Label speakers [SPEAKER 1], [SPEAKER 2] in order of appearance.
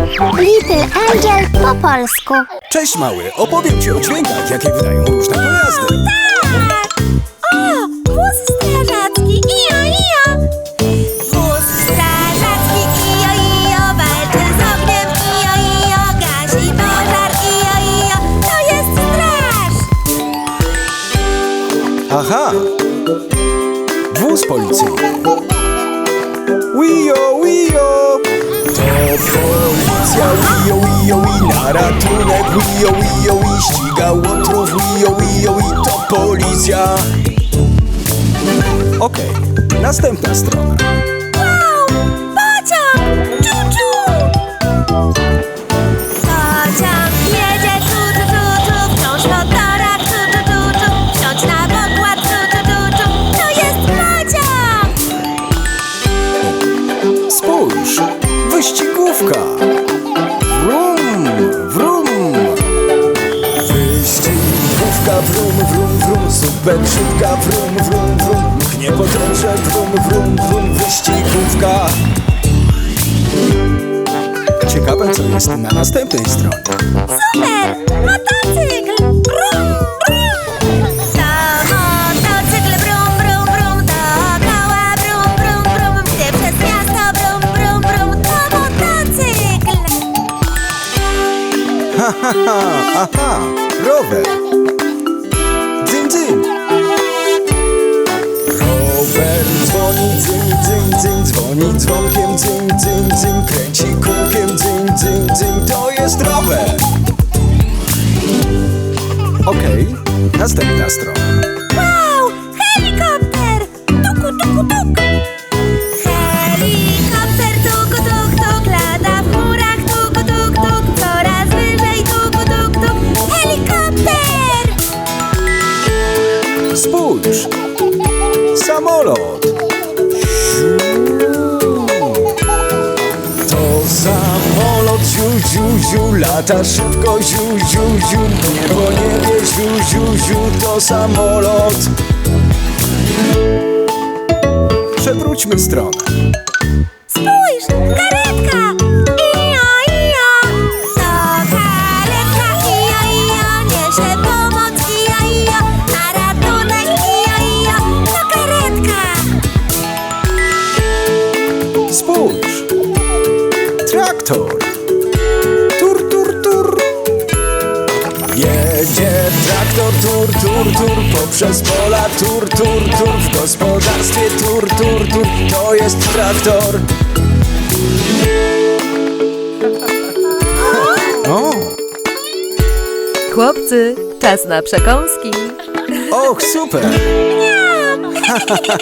[SPEAKER 1] Little Angel po polsku.
[SPEAKER 2] Cześć mały, opowiem ci o dźwiękach, jakie wydają różne pojazdy.
[SPEAKER 3] Tak! O, wóz strażacki, ijo, ijo! Wóz strażacki, ijo, ijo, walczy z ogniem, ijo, ijo, gasi pożar, ijo, ijo, to jest straż!
[SPEAKER 2] Aha! Wóz policyjny. Wio, wio! To policja, wio, wio, i na ratunek, wio, wio, i ściga łotrów, wio, wio, i to policja. Okej, następna strona.
[SPEAKER 3] Wow! Pociąg! Czu-czu! Pociąg jedzie tu, wciąż po torach, tu, wsiądź na pokład, tu, to jest pociąg!
[SPEAKER 2] Spójrz, wyścigówka. Wrum, wrum. Wyścigówka, wrum, wrum, wrum. Super szybka, wrum, wrum, wrum. Mknie po torze, wrum, wrum, wrum. Wyścigówka. Ciekawe, co jest na następnej stronie.
[SPEAKER 3] Super! Motocykl! Brum, brum! To motocykl, brum, brum, brum. Dookoła, brum, brum, brum. Gdy przez miasto, brum, brum, brum. To motocykl!
[SPEAKER 2] Ha, ha, ha, aha, rower. Dzyn, dzyn. Rower dzwoni, dzyn, dzyn, dzyn. Dzwoni dzwonkiem, dzyn, dzyn, dzyn. Kręci kółkiem, dzyn, dzyn, dzyn. To jest rower. Okej, następna strona.
[SPEAKER 3] Wow! Helikopter! Tuku, tuku, tuk! Helikopter, tuku, tuk, tuk. Lata w chmurach, tuku, tuk, tuk. Coraz wyżej, tuku, tuk, tuk. Helikopter!
[SPEAKER 2] Spójrz, samolot. To samolot, ziu, ziu, ziu. Lata szybko, ziu, ziu, ziu. Nie po niebie, ziu, ziu, ziu. To samolot. Przewróćmy stronę.
[SPEAKER 3] Spójrz! Karetka! Ijo, ijo! To karetka! Ijo, ijo! Niesie pomoc! Ijo, ijo! Na ratunek! Ijo, ijo! To karetka!
[SPEAKER 2] Spójrz, traktor. Tur, tur, tur. Jedzie traktor, tur, tur, tur. Poprzez pola, tur, tur, tur. W gospodarstwie, tur, tur, tur. To jest traktor. O,
[SPEAKER 4] Chłopcy, czas na przekąski.
[SPEAKER 2] och, super.